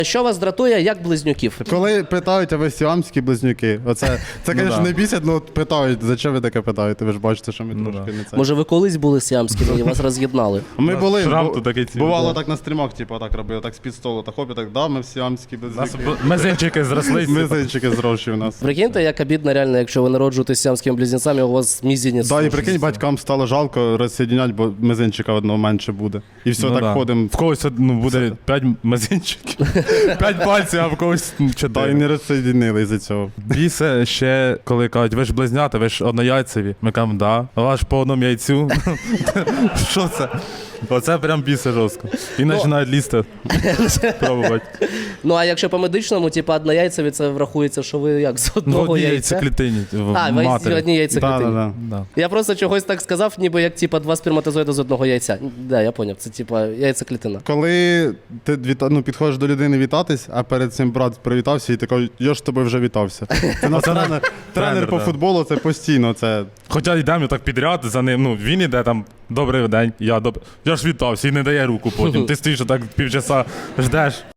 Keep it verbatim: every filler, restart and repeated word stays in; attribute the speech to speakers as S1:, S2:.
S1: Що вас дратує, як близнюків?
S2: Коли питають, а ви сіамські близнюки, оце, це, звісно,
S3: да.
S2: не бісять, ну от питають, за що ви таке питаєте? Ви ж бачите, що ми
S3: Ну
S2: трошки
S3: да.
S2: не це.
S1: Може, ви колись були сіамськими і вас роз'єднали?
S2: Ми були,
S3: шрам
S2: бу-
S3: тут такий цілий,
S2: бувало
S3: да.
S2: так на стрімах, типу, так робили, так з-під столу, так хоп, і так, да, ми сіамські
S3: Нас
S2: близнюки.
S3: б- мизинчики зрослись.
S2: Мизинчики зрощі у нас.
S1: Прикиньте, як обідно реально, якщо ви народжуєтесь сіамськими близнецями, у вас мізинець.
S2: Да, і прикинь, батькам стало жалко розсоєднять, бо мизинчика одного менше буде. І все,
S3: Ну
S2: так
S3: да.
S2: ходимо.
S3: В когось ну, буде п'ять мизинчиків, п'ять пальців, а в когось
S2: Та й
S3: чотири.
S2: не розсоєдинили із-за цього.
S3: Бісе ще, коли кажуть, ви ж близнята, ви ж однояйцеві. Ми кажемо, да. А ваш по одному яйцю. Що це? Оце прям бісе жорстко. І починають лізти. Пробувати.
S1: Ну, а якщо по медичному, типу, однояйцеві, це врахується, що ви як з
S3: Ну, в
S1: одного
S3: одній
S1: яйця?
S3: яйцеклітині. В
S1: А, ви
S3: матері.
S1: в одній яйцеклітині.
S2: Да, да, да.
S3: Да.
S1: Я просто чогось так сказав, ніби як типа два сперматозоїди з одного яйця. Да, я поняв, це типа яйцеклітина.
S2: Коли ти віта... ну, підходиш до людини вітатись, а перед цим брат привітався і ти кажеш, я ж з тобою вже вітався. Це наш
S3: Оце
S2: тренер, тренер
S3: тренер,
S2: по
S3: да.
S2: футболу, це постійно. Це...
S3: Хоча йдемо так підряд за ним, ну він іде там, добрий день, я доб... Я ж вітався і не дає руку потім. Ти стоїш так півчаса, ждеш.